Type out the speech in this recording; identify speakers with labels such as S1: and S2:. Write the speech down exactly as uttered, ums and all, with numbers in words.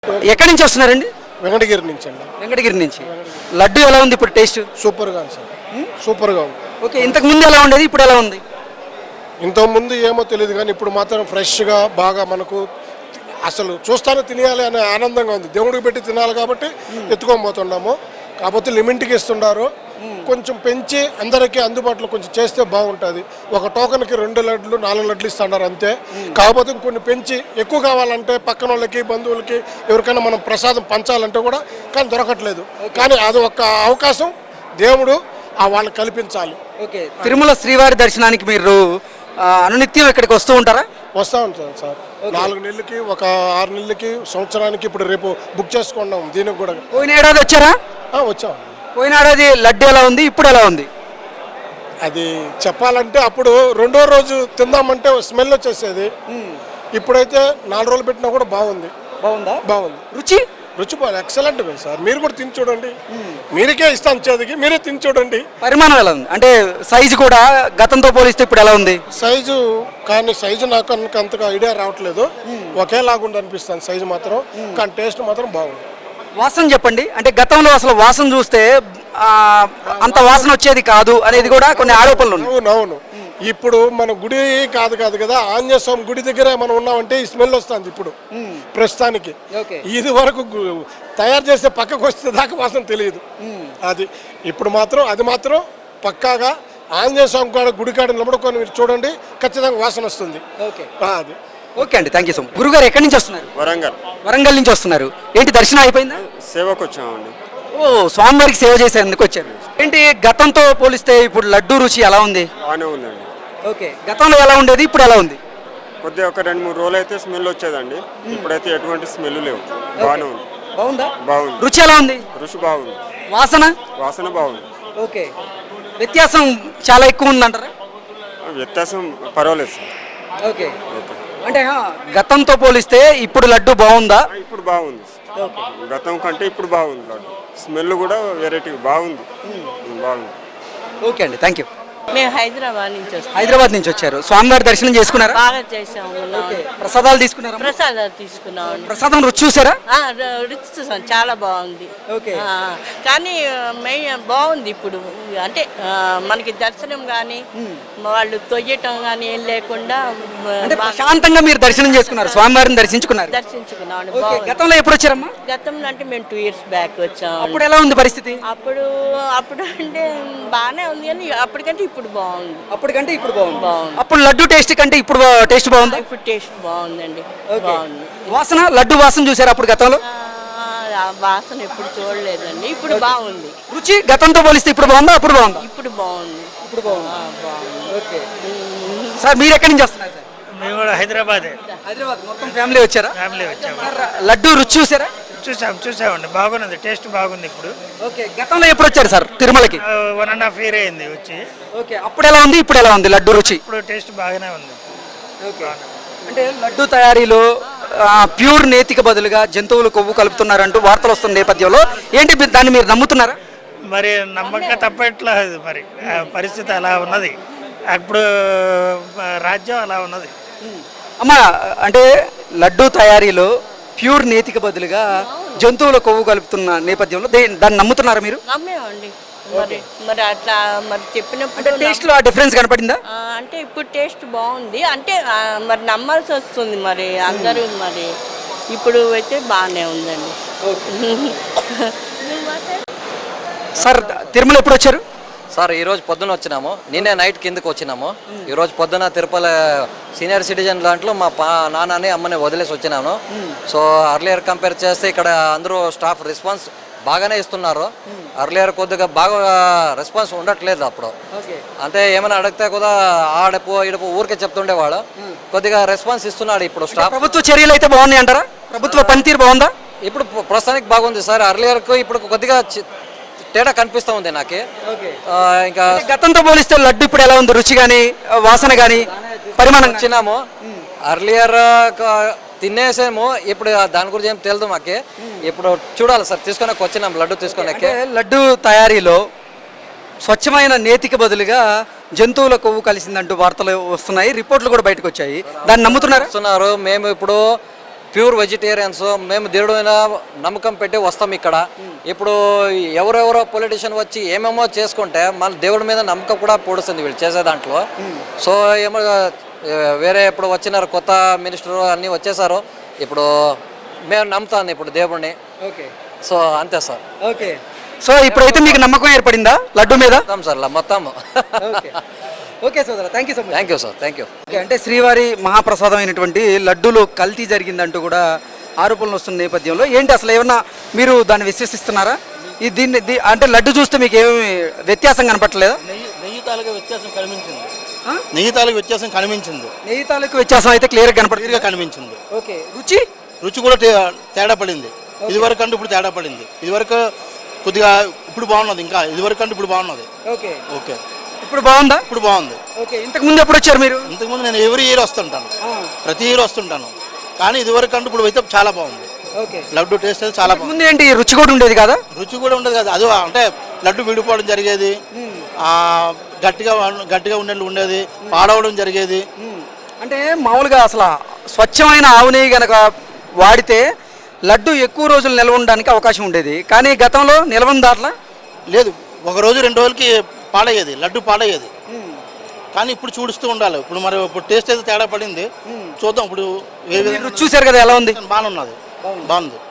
S1: ఎక్కడి నుంచి వస్తున్నారండి?
S2: వెంకటగిరి నుంచి అండి.
S1: వెంకటగిరి నుంచి. లడ్డు ఎలా ఉంది ఇప్పుడు టేస్ట్?
S2: సూపర్గా ఉంది సార్, సూపర్గా ఉంది.
S1: ఓకే, ఇంతకు ముందు ఎలా ఉండేది, ఇప్పుడు ఎలా ఉంది?
S2: ఇంతకుముందు ఏమో తెలియదు కానీ ఇప్పుడు మాత్రం ఫ్రెష్గా బాగా మనకు అసలు చూస్తానే తినేయాలి అనే ఆనందంగా ఉంది. దేవుడికి పెట్టి తినాలి కాబట్టి ఎత్తుకొని పోతున్నాము. కాకపోతే లిమిట్కి ఇస్తున్నారు, కొంచెం పెంచి అందరికీ అందుబాటులో కొంచెం చేస్తే బాగుంటుంది. ఒక టోకన్కి రెండు లడ్లు నాలుగు లడ్లు ఇస్తున్నారు అంతే. కాకపోతే ఇంకొన్ని పెంచి ఎక్కువ కావాలంటే పక్కన వాళ్ళకి బంధువులకి ఎవరికైనా మనం ప్రసాదం పంచాలంటే కూడా కానీ దొరకట్లేదు. కానీ అది ఒక అవకాశం దేవుడు ఆ వాళ్ళకి కల్పించాలి.
S1: ఓకే, తిరుమల శ్రీవారి దర్శనానికి మీరు అనునిత్యం ఇక్కడికి వస్తూ ఉంటారా?
S2: వస్తూ ఉంటాను సార్. నాలుగు నెలలకి, ఒక ఆరు నెలలకి, సంవత్సరానికి. ఇప్పుడు రేపు బుక్ చేసుకున్నాం దీనికి కూడా.
S1: పోయిన ఏడాది వచ్చారా?
S2: వచ్చాం.
S1: పోయిన ఏడాది లడ్డు ఎలా ఉంది, ఇప్పుడు ఎలా ఉంది?
S2: అది చెప్పాలంటే అప్పుడు రెండో రోజు తిందామంటే స్మెల్ వచ్చేసేది. ఇప్పుడైతే నాలుగు రోజులు పెట్టినా కూడా బాగుంది.
S1: బాగుందా?
S2: బాగుంది.
S1: రుచి
S2: రుచి బాగా ఎక్సలెంట్ సార్. మీరు కూడా తిని చూడండి. మీరికే ఇస్తాం చేతికి, మీరే తిని చూడండి.
S1: పరిమాణం ఎలా ఉంది అంటే సైజు కూడా గతంతో పోలిస్తే ఇప్పుడు ఎలా ఉంది?
S2: సైజు కానీ సైజు నాకు అంతగా ఐడియా రావట్లేదు. ఒకేలాగుండి అనిపిస్తుంది సైజు మాత్రం, కానీ టేస్ట్ మాత్రం బాగుంది.
S1: వాసన చెప్పండి. అంటే గతంలో అసలు వాసన చూస్తే అంత వాసన వచ్చేది కాదు అనేది కూడా కొన్ని ఆరోపణలు ఉన్నాయి.
S2: అవునవును. ఇప్పుడు మన గుడి కాదు కాదు కదా, ఆంజనేయ స్వామి గుడి దగ్గర మనం ఉన్నామంటే ఈ స్మెల్ వస్తుంది ఇప్పుడు ప్రస్తుతానికి. ఇది వరకు తయారు చేస్తే పక్కకు వస్తే దాకా వాసన తెలియదు. అది ఇప్పుడు మాత్రం అది మాత్రం పక్కాగా ఆంజనేయ స్వామి కాడ గుడి కాడ నిలబడుకొని మీరు చూడండి, ఖచ్చితంగా వాసన వస్తుంది. అది
S1: ఓకే అండి, థ్యాంక్ యూ సో మచ్. గురుగారు ఎక్కడి నుంచి వస్తున్నారు?
S3: వరంగల్.
S1: వరంగల్ నుంచి వస్తున్నారు. ఏంటి దర్శనం అయిపోయిందా?
S3: సేవకు వచ్చామండి.
S1: ఓ, స్వామివారికి సేవ చేసేందుకు వచ్చారు. ఏంటి గతంతో పోలిస్తే ఇప్పుడు లడ్డు రుచి ఎలా ఉంది?
S3: బాగానే ఉందండి.
S1: ఓకే, గతంలో ఎలా ఉండేది, ఇప్పుడు ఎలా ఉంది?
S3: కొద్దిగా ఒక రెండు మూడు రోజులు అయితే స్మెల్ వచ్చేదండి. ఇప్పుడైతే ఎటువంటి స్మెల్ లేవు. బాగానే ఉంది.
S1: బాగుందా?
S3: బాగుంది.
S1: రుచి ఎలా ఉంది?
S3: రుచి బాగుంది.
S1: వాసన?
S3: వాసన బాగుంది.
S1: ఓకే, వ్యత్యాసం చాలా ఎక్కువ ఉందంటారా?
S3: వ్యత్యాసం పర్వాలేదు సార్.
S1: ఓకే ఓకే, అంటే గతంతో పోలిస్తే ఇప్పుడు లడ్డు బాగుందా?
S3: ఇప్పుడు బాగుంది. గతం కంటే ఇప్పుడు బాగుంది లడ్డు. స్మెల్ కూడా వెరైటీ బాగుంది. బాగుంది.
S1: ఓకే అండి, థ్యాంక్ యూ.
S4: మేము హైదరాబాద్ నుంచి వస్తాం.
S1: హైదరాబాద్ నుంచి వచ్చారు. స్వామివారి దర్శనం చేసుకున్నారా?
S4: బాగా చేసాము.
S1: ప్రసాదాలు తీసుకున్నారా?
S4: ప్రసాదాలు తీసుకున్నాం.
S1: ప్రసాదం రుచి చూసారా?
S4: రుచి చూసాం, చాలా బాగుంది.
S1: ఓకే,
S4: కానీ మెయిన్ బాగుంది ఇప్పుడు. అంటే మనకి దర్శనం కానీ వాళ్ళు తొయ్యటం కానీ ఏం లేకుండా
S1: శాంతంగా మీరు దర్శనం చేసుకున్నారు, స్వామివారిని దర్శించుకున్నారు.
S4: దర్శించుకున్నాం.
S1: గతంలో ఎప్పుడు వచ్చారమ్మా?
S4: గతంలో అంటే మేము టూ ఇయర్స్ బ్యాక్ వచ్చాం.
S1: అప్పుడు ఎలా ఉంది పరిస్థితి?
S4: అప్పుడు అప్పుడు అంటే బాగానే ఉంది, కానీ అప్పటికంటే ఇప్పుడు బాగుంది.
S1: అప్పటికంటే ఇప్పుడు బాగుంది.
S4: బాగుంది.
S1: అప్పుడు లడ్డు టేస్ట్ కంటే ఇప్పుడు టేస్ట్ బాగుంది.
S4: ఇప్పుడు టేస్ట్ బాగుందండి. బాగుంది.
S1: వాసన, లడ్డు వాసన చూసారు అప్పుడు గతంలో?
S4: వాసన ఎప్పుడు చూడలేదండి, ఇప్పుడు బాగుంది.
S1: రుచి గతంతో పోలిస్తే ఇప్పుడు బాగుందా, అప్పుడు బాగుందా?
S4: ఇప్పుడు బాగుంది.
S1: ఇప్పుడు బాగుంది. ఓకే సార్, మీరు ఎక్కడి నుంచి వస్తున్నారు సార్?
S5: మేము కూడా హైదరాబాద్.
S1: హైదరాబాద్ మొత్తం ఫ్యామిలీ వచ్చారా?
S5: ఫ్యామిలీ వచ్చాము.
S1: లడ్డు రుచి చూసారా?
S5: చూసాం చూసామండి, బాగున్నది, టేస్ట్ బాగుంది ఇప్పుడు.
S1: ఓకే, గతంలో ఎప్పుడు వచ్చారు సార్ తిరుమలకి?
S5: వన్ అండ్ హాఫ్ ఇయర్ అయింది వచ్చి.
S1: ఓకే, అప్పుడు ఎలా ఉంది, ఇప్పుడు ఎలా ఉంది లడ్డు రుచి?
S5: ఇప్పుడు టేస్ట్ బాగానే ఉంది.
S1: ఓకే, అంటే లడ్డు తయారీలో ప్యూర్ నేతికి బదులుగా జంతువులు కొవ్వు కలుపుతున్నారంటూ వార్తలు వస్తున్న నేపథ్యంలో ఏంటి దాన్ని మీరు నమ్ముతున్నారా?
S5: మరి నమ్మక తప్పట్లేదు, మరి పరిస్థితి అలా ఉన్నది. అప్పుడు రాజ్యం అలా ఉన్నది.
S1: అమ్మా, అంటే లడ్డు తయారీలో ప్యూర్ నేతికి బదులుగా జంతువుల కొవ్వు కలుపుతున్న నేపథ్యంలో దాన్ని నమ్ముతున్నారా మీరు?
S4: నమ్మేమండి. మరి మరి అట్లా మరి చెప్పినప్పుడు
S1: టేస్ట్ లో ఆ డిఫరెన్స్ కనపడిందా?
S4: అంటే ఇప్పుడు టేస్ట్ బాగుంది అంటే మరి నమ్మాల్సి వస్తుంది మరి అందరూ. మరి ఇప్పుడు అయితే బాగానే ఉందండి.
S1: సార్, తిరుమల ఎప్పుడు వచ్చారు?
S6: సార్ ఈరోజు పొద్దున వచ్చినాము, నిన్నే నైట్ కిందకు వచ్చినాము. ఈరోజు పొద్దున తిరుపతి సీనియర్ సిటిజన్ దాంట్లో మా పా నాన్నని అమ్మని వదిలేసి వచ్చినాను. సో అర్లియర్ కంపేర్ చేస్తే ఇక్కడ అందరూ స్టాఫ్ రెస్పాన్స్ బాగానే ఇస్తున్నారు. అర్లియర్ కొద్దిగా బాగా రెస్పాన్స్ ఉండట్లేదు. అప్పుడు అంటే ఏమైనా అడిగితే కూడా ఆడపు ఈడపు ఊరికే చెప్తుండేవాడు. కొద్దిగా రెస్పాన్స్ ఇస్తున్నాడు ఇప్పుడు స్టాఫ్.
S1: ప్రభుత్వ చర్యలు అయితే బాగున్నాయి అంటారా? ప్రభుత్వ పనితీరు బాగుందా?
S6: ఇప్పుడు ప్రస్తుతానికి బాగుంది సార్. అర్లియర్కు ఇప్పుడు కొద్దిగా తేడా కనిపిస్తూ ఉంది నాకు. ఇంకా
S1: గతంతో పోలిస్తే లడ్డు ఇప్పుడు ఎలా ఉంది, రుచి కానీ వాసన కానీ పరిమాణం?
S6: వచ్చినాము అర్లియర్ తినేసేమో, ఇప్పుడు దాని గురించి ఏం తెలియదు మాకే. ఇప్పుడు చూడాలి సార్, తీసుకొని వచ్చినాం లడ్డు తీసుకొని.
S1: లడ్డు తయారీలో స్వచ్ఛమైన నేతికి బదులుగా జంతువుల కొవ్వు కలిసిందంటూ వార్తలు వస్తున్నాయి, రిపోర్ట్లు కూడా బయటకు వచ్చాయి. దాన్ని నమ్ముతున్నారు?
S6: మేము ఇప్పుడు ప్యూర్ వెజిటేరియన్స్. మేము దేవుడి మీద నమ్మకం పెట్టి వస్తాం ఇక్కడ. ఇప్పుడు ఎవరెవరో పొలిటీషియన్ వచ్చి ఏమేమో చేసుకుంటే మళ్ళీ దేవుడి మీద నమ్మకం కూడా పొడుస్తుంది వీళ్ళు చేసే దాంట్లో. సో ఏమో వేరే ఇప్పుడు వచ్చినారు కొత్త మినిస్టర్ అన్నీ వచ్చేసారు. ఇప్పుడు మేము నమ్ముతాను ఇప్పుడు దేవుడిని.
S1: ఓకే,
S6: సో అంతే సార్.
S1: ఓకే. సో ఇప్పుడైతే మీకు నమ్మకం ఏర్పడిందా లడ్డు మీద?
S6: మొత్తం సార్ మొత్తం.
S1: ఓకే, ఓకే సోదరా, thank you so much.
S6: Thank you sir, thank you.
S1: Okay, అంటే శ్రీవారి మహాప్రసాదం అయినటువంటి లడ్డూలో కల్తీ జరిగిందంటూ కూడా ఆరోపణలు వస్తున్న నేపథ్యంలో ఏంటి అసలు ఏమన్నా మీరు దాన్ని విశ్వసిస్తున్నారా? ఈ దీన్ని దీ- అంటే లడ్డు చూస్తే మీకు ఏమి వ్యత్యాసం కనపట్లేదా?
S7: నెయ్యి నెయ్యి తాలూకా వ్యత్యాసం కనిపించింది.
S1: ఆ?
S7: నెయ్యి తాలూకా వ్యత్యాసం కనిపించింది.
S1: నెయ్యి తాలూకు వ్యత్యాసం అయితే క్లియర్గా కనపడుతుంది.
S7: క్లియర్గా కనిపించింది.
S1: ఓకే, రుచి
S7: రుచి కూడా తే- తేడా పడింది. ఇదివరకు అంటే ఇప్పుడు తేడా పడింది. ఇదివరకు కొద్దిగా ఇప్పుడు బాగున్నది, ఇంకా ఇదివరకు అంటే ఇప్పుడు బాగున్నది.
S1: ఓకే,
S7: ఓకే,
S1: ఇప్పుడు బాగుందా?
S7: ఇప్పుడు బాగుంది.
S1: ఓకే, ఇంతకు ముందు ఎప్పుడు వచ్చారు మీరు?
S7: ఇంతకుముందు నేను ఎవ్రీ ఇయర్ వస్తుంటాను, ప్రతి ఇయర్ వస్తుంటాను. కానీ ఇదివరకు అంటే ఇప్పుడు అయితే చాలా బాగుంది.
S1: ఓకే,
S7: లడ్డు టేస్ట్ అయితే చాలా బాగుంది.
S1: ముందు ఏంటి రుచి కూడా ఉండేది కదా?
S7: రుచి కూడా ఉండదు కదా, అది అంటే లడ్డు విడిపోవడం జరిగేది, ఆ, గట్టిగా గట్టిగా ఉండేది ఉండేది పాడవడం జరిగేది.
S1: అంటే మామూలుగా అసలు స్వచ్ఛమైన ఆవు నెయ్యి గనక వాడితే లడ్డు ఎక్కువ రోజులు నిల్వ ఉండడానికి అవకాశం ఉండేది. కానీ గతంలో నిల్వ దాంట్లో
S7: లేదు, ఒక రోజు రెండు రోజులకి పాడయ్యేది, లడ్డు పాడయ్యేది. కానీ ఇప్పుడు చూడుస్తూ ఉండాలి. ఇప్పుడు మరి ఇప్పుడు టేస్ట్ అయితే తేడా పడింది. చూద్దాం ఇప్పుడు ఏ విధంగా
S1: రుచి చూశారు కదా, ఎలా ఉంది?
S7: బాగున్నది, బాగుంది.